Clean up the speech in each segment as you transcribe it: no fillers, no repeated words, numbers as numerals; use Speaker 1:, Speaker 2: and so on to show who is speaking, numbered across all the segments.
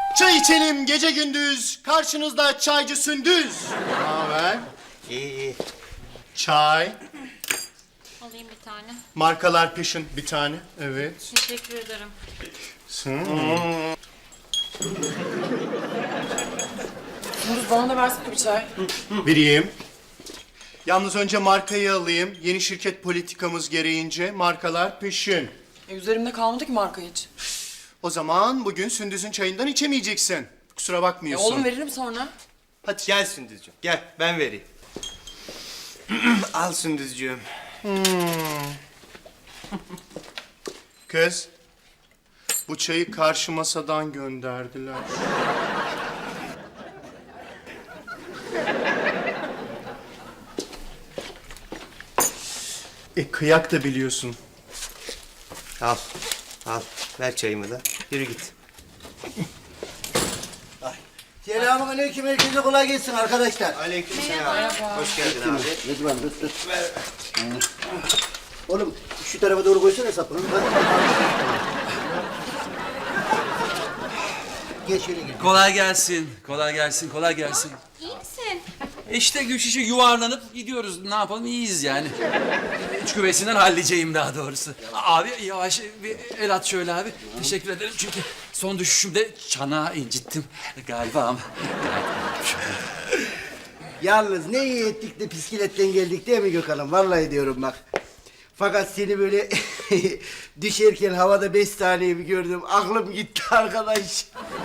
Speaker 1: Çay içelim gece gündüz. Karşınızda çaycı Sündüz. Ne haber?
Speaker 2: İyi.
Speaker 1: Çay.
Speaker 3: Alayım bir tane.
Speaker 1: Markalar peşin bir tane. Evet.
Speaker 3: Teşekkür ederim.
Speaker 4: Sündüz bana da versene bir çay.
Speaker 1: Vereyim. Yalnız önce markayı alayım. Yeni şirket politikamız gereğince markalar peşin.
Speaker 4: Üzerimde kalmadı ki marka hiç.
Speaker 1: O zaman bugün Sündüz'ün çayından içemeyeceksin. Kusura bakmıyorsun.
Speaker 4: Oğlum veririm sonra.
Speaker 1: Hadi
Speaker 2: Gel Sündüzcüğüm, gel ben vereyim. Al Sündüzcüğüm.
Speaker 1: Kız. Bu çayı karşı masadan gönderdiler. Kıyak da biliyorsun.
Speaker 2: Al, al. Ver çayımı da. Yürü git.
Speaker 5: Selamünaleyküm, herkese kolay gelsin arkadaşlar.
Speaker 2: Aleykümselam. Hoş geldin abi.
Speaker 5: Rıdvan, dur. Oğlum şu tarafa doğru koysana sapını. Gel şöyle gel.
Speaker 6: Kolay gelsin, kolay gelsin, kolay gelsin.
Speaker 3: İyi misin?
Speaker 6: İşte Gülşiş'e yuvarlanıp gidiyoruz. Ne yapalım, iyiyiz yani. Üç küvesinden halledeceğim daha doğrusu. Abi yavaş bir el at şöyle abi. Teşekkür ederim çünkü son düşüşümde çanağı incittim galiba ama.
Speaker 5: Yalnız ne iyi ettik de bisikletten geldik değil mi Gökhan'ım? Vallahi diyorum bak. Fakat seni böyle düşerken havada 5 saniye bir gördüm. Aklım gitti arkadaş.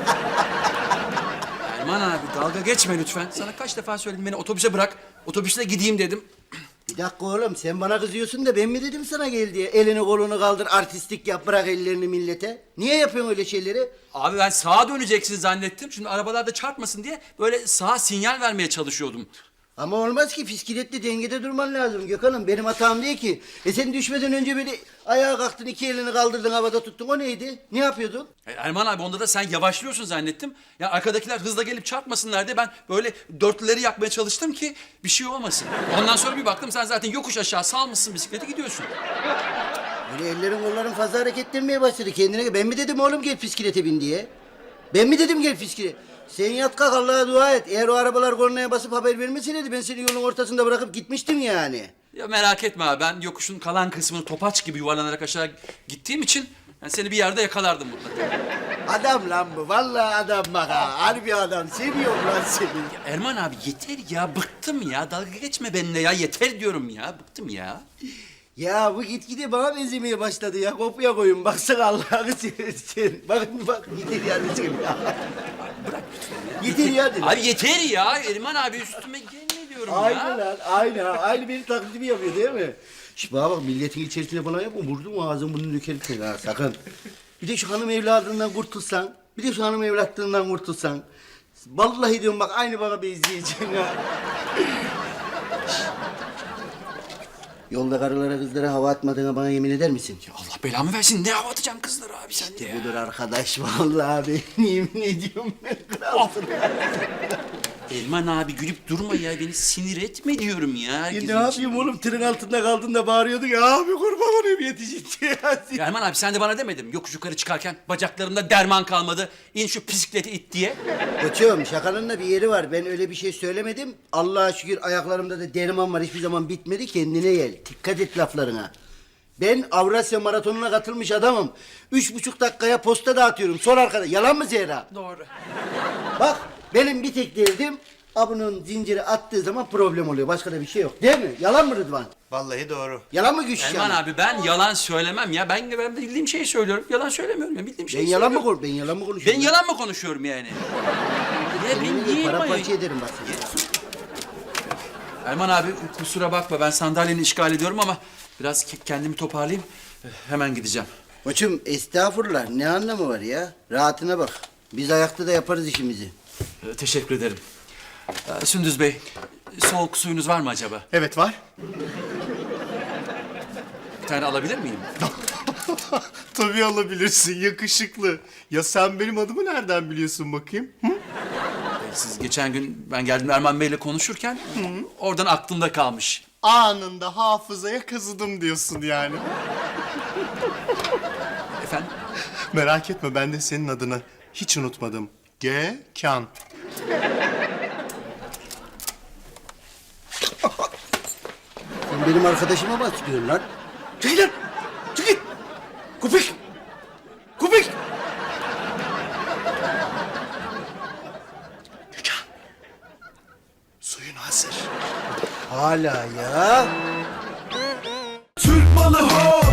Speaker 6: Erman abi dalga geçme lütfen. Sana kaç defa söyledim beni otobüse bırak. Otobüsle gideyim dedim.
Speaker 5: Bir dakika oğlum, sen bana kızıyorsun da ben mi dedim sana gel diye? Elini kolunu kaldır, artistlik yap, bırak ellerini millete. Niye yapıyorsun öyle şeyleri?
Speaker 6: Abi ben sağa döneceksin zannettim. Şimdi arabalarda çarpmasın diye böyle sağa sinyal vermeye çalışıyordum.
Speaker 5: Ama olmaz ki, bisikletle dengede durman lazım Gökhan'ım. Benim hatam değil ki. Sen düşmeden önce böyle ayağa kalktın, iki elini kaldırdın, havada tuttun. O neydi? Ne yapıyordun?
Speaker 6: Erman abi onda da sen yavaşlıyorsun zannettim. Ya arkadakiler hızla gelip çarpmasınlar diye ben böyle dörtlüleri yakmaya çalıştım ki bir şey olmasın. Ondan sonra bir baktım sen zaten yokuş aşağı salmışsın bisikleti gidiyorsun.
Speaker 5: Böyle ellerin kolların fazla hareketlenmeye başladı kendine. Ben mi dedim oğlum gel bisiklete bin diye? Ben mi dedim gel bisiklete? Sen yat kalk, Allah'a dua et. Eğer o arabalar kornaya basıp haber vermeseydi ben seni yolun ortasında bırakıp gitmiştim yani.
Speaker 6: Ya merak etme abi ben yokuşun kalan kısmını topaç gibi yuvarlanarak aşağı gittiğim için yani seni bir yerde yakalardım mutlaka.
Speaker 5: Adam lan bu. Vallahi adam bak ha. Harbi adam. Seviyorum lan seni.
Speaker 6: Erman abi yeter ya bıktım ya dalga geçme benimle ya yeter diyorum ya bıktım ya.
Speaker 5: Ya bu gitgide bana benzemeye başladı ya. Kopya koyun. Baksana Allah'ını seversen. Bak yeter yani seni ya.
Speaker 6: Bırak lütfen ya.
Speaker 5: Yeter ya dedim.
Speaker 6: Abi yeter ya Erman abi üstüme gelme diyorum
Speaker 5: Aynı
Speaker 6: ya.
Speaker 5: lan. Aynı benim taklidimi yapıyor değil mi? Şş bana bak, milletin içerisine falan yapma. Vurdum ağzını bunu dökerim seni ha, sakın. Bir de şu hanım evladından kurtulsan. Bir de şu hanım evlatlığından kurtulsan. Vallahi diyorum bak, aynı bana benzeyeceksin ha. Yolda karılara kızlara hava atmadığına bana yemin eder misin?
Speaker 6: Allah belamı versin ne hava atacağım kızlara abi sen de ya.
Speaker 5: Budur arkadaş vallahi ben yemin ediyorum ben kralsın.
Speaker 6: Erman abi gülüp durma ya beni sinir etme diyorum ya.
Speaker 5: Ya
Speaker 6: herkesin
Speaker 5: ne yapayım
Speaker 6: içinde.
Speaker 5: oğlum, tırın altında kaldın da bağırıyordun ya. Abi kurban olayım yetişince ya.
Speaker 6: Ya Erman abi sen de bana demedin mi? Yokuş yukarı çıkarken bacaklarımda derman kalmadı. İn şu bisikleti it diye.
Speaker 5: Koçum şakanın da bir yeri var. Ben öyle bir şey söylemedim. Allah'a şükür ayaklarımda da derman var. Hiçbir zaman bitmedi. Kendine gel. Dikkat et laflarına. Ben Avrasya Maratonu'na katılmış adamım. 3,5 dakikaya posta dağıtıyorum. Sor arkadaş. Yalan mı Zehra?
Speaker 6: Doğru.
Speaker 5: Bak benim bir tek derdim, abunun zinciri attığı zaman problem oluyor. Başka da bir şey yok. Değil mi? Yalan mı Rıdvan?
Speaker 2: Vallahi doğru.
Speaker 5: Yalan mı Gülşen?
Speaker 6: Erman abi ben yalan söylemem ya. Ben bildiğim şeyi söylüyorum. Yalan söylemiyorum ya. Bildiğim şeyi
Speaker 5: Ben yalan mı
Speaker 6: söylüyorum.
Speaker 5: Ben yalan mı konuşuyorum?
Speaker 6: Ben yalan mı konuşuyorum yani? Ya ben niye
Speaker 5: Paramparça ederim bak seni.
Speaker 6: Erman abi kusura bakma ben sandalyeni işgal ediyorum ama biraz kendimi toparlayayım. Hemen gideceğim.
Speaker 5: Koçum estağfurullah, ne anlamı var ya? Rahatına bak. Biz ayakta da yaparız işimizi.
Speaker 6: Teşekkür ederim. Sündüz Bey, soğuk suyunuz var mı acaba?
Speaker 1: Evet var.
Speaker 6: Bir tane alabilir miyim?
Speaker 1: Tabii alabilirsin yakışıklı. Ya sen benim adımı nereden biliyorsun bakayım? Hı?
Speaker 6: Siz geçen gün ben geldim Erman Bey'le konuşurken oradan aklımda kalmış.
Speaker 1: Anında hafızaya kazıdım diyorsun yani.
Speaker 6: Efendim?
Speaker 1: Merak etme ben de senin adını hiç unutmadım. Gökhan.
Speaker 5: Sen benim arkadaşıma bahsediyorsun lan. Çekil lan! Çekil! Köpek! Köpek!
Speaker 1: Gökhan. Suyun hazır.
Speaker 5: Hala ya.
Speaker 7: Türk malı ho